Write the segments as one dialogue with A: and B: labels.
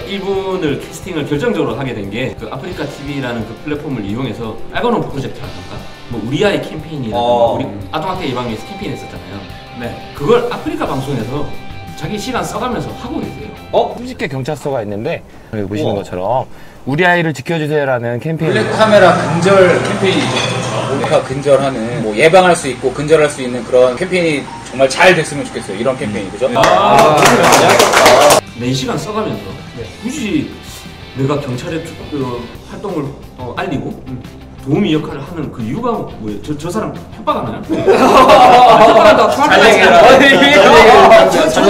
A: 이분을 캐스팅을 결정적으로 하게 된 게 그 아프리카 TV라는 그 플랫폼을 이용해서 알고노 프로젝트라든가 뭐 우리 아이 캠페인이라든가 우리 아동학대 예방 위해서 캠페인 했었잖아요. 네, 그걸 아프리카 방송에서 자기 시간 써가면서 하고 계세요.
B: 수직계 경찰서가 있는데 여기 보시는 것처럼 우리 아이를 지켜주세요라는 캠페인.
C: 블랙 카메라 근절 캠페인이죠. 모니카 근절하는 뭐 예방할 수 있고 근절할 수 있는 그런 캠페인이 정말 잘 됐으면 좋겠어요. 이런 캠페인이 그죠?
A: 4시간 써가면서 굳이 내가 경찰의 활동을 알리고 도우미 역할을 하는 그 이유가 뭐예요? 저 사람 협박하나요? 협박한다고
C: 잘 얘기해라.
D: 저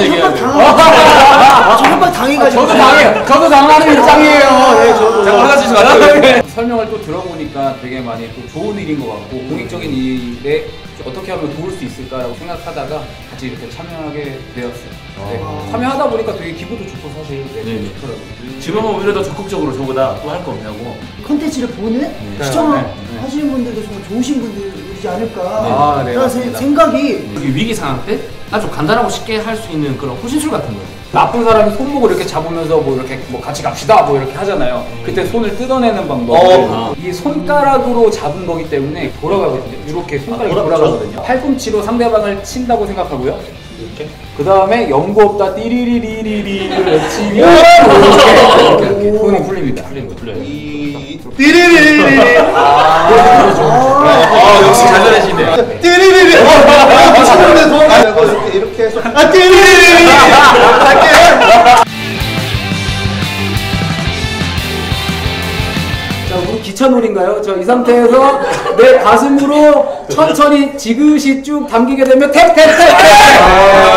D: 협박 당해가지고.
C: 저도 당하는 입장이에요. 네, 저도.
A: 화장실 좀 갔다
C: 설명을 또 들어보니까 되게 많이 또 좋은 일인 것 같고 공익적인 일에 어떻게 하면 도울 수 있을까라고 생각하다가 같이 이렇게 참여하게 되었어요. 네. 참여하다 보니까 되게 기분도 좋고 사실 좋더라고요.
A: 지금은 오히려 더 적극적으로 저보다 또 할 거 없냐고.
D: 컨텐츠를 보는 시청하시는 분들도 정말 좋으신 분들이지 않을까 라는 생각이.
A: 위기 상황 때 아주 간단하고 쉽게 할 수 있는 그런 호신술 같은 거예요.
C: 나쁜 사람이 손목을 이렇게 잡으면서 뭐 이렇게 뭐 같이 갑시다 뭐 이렇게 하잖아요. 그때 손을 뜯어내는 방법. 이 손가락으로 잡은 거기 때문에 돌아가거든요. 이렇게 손가락이 돌아가거든요. 팔꿈치로 상대방을 친다고 생각하고요. 이렇게. 그 다음에 연고 없다 띠리리리리리를 외치면 이렇게 손이 풀립니다.
A: 풀려요.
D: 띠리리리리.
A: 역시 잘 잘하시네요.
D: 띠리리리. 이렇게 해서 띠리리리.
C: 자, 우리 기차놀인가요? 저 이 상태에서 내 가슴으로 천천히 지그시 쭉 당기게 되면 탭탭탭탭!